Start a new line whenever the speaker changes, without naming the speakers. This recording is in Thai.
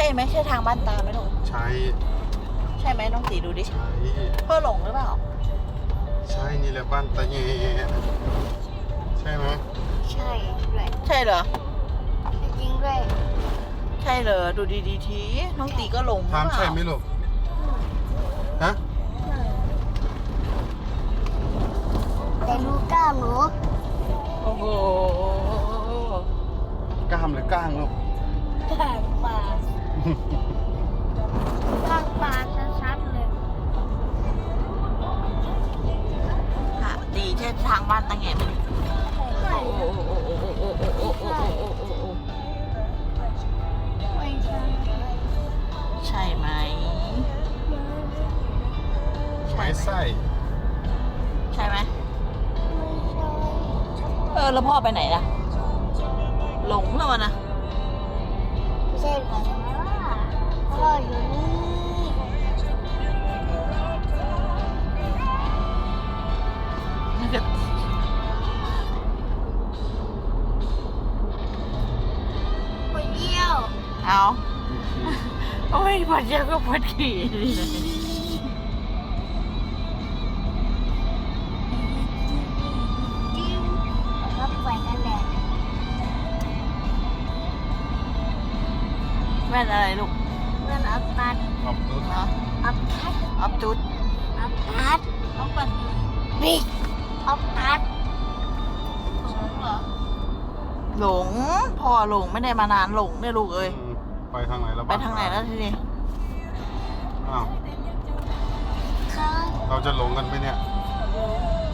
ช่ไหมใช่ทางบ้านตาไหมลูก
ใช่
ใช่ไหมน้องตีดูดิ
ใช่
พ่อหลงหรือเปล่า
ใช่นี่แหละบ้านตาแยใช่ไหม
ใช่ด้วย
ใช่เหรอ
จริงด้วย
ใช่เหรอดูดีๆทีน้องตีก็หลงหรือ
ถาม
เป
ใช่
ล่า
ไหมลูกฮะ
แต่ลูกกล้ามหนู
โอ้โห
กล้ามหรือก้างลูก
กล้างปลา กล้างปลาชัดๆเลย
ค่ะตีใช่ทางบ้านตาแงไหม
ใช่
โอ้โหโอ้โหโอ้โหโอ้โหโอ้โหโอ้โหโอ้โห
ไม่ใช่
ใช่ไหม
ไม้ไส้
ใช่ไหม
ไม่ใช่
แล้วพ่อไปไหนล่ะ หลงแล้ววะนะ
ไม่ใช่แบบว่าพ่ออยู่นี่ ไปเยี่ยว
เอาโอ้ยปวดเยอะก็ปวดขี่
จิ้วแล้วก็ไปกันแดด
แว่นอะไรลูก
เพื่อนอัพตัด
ขอบคุณ
เนาะ
อัพทัด
ออฟจุด
อัพทัด
ต้องปัด
บิ๊กอัพทัด
หลงพ่อหลงไม่ได้มานานหลงเนี่ยลูกเอ้ย
ไปทางไหนแล้ว
ไปทางไหนแล้วทีนี้
อ้าว
ข้าง
เราจะหลงกันไหมเนี่ย
ไ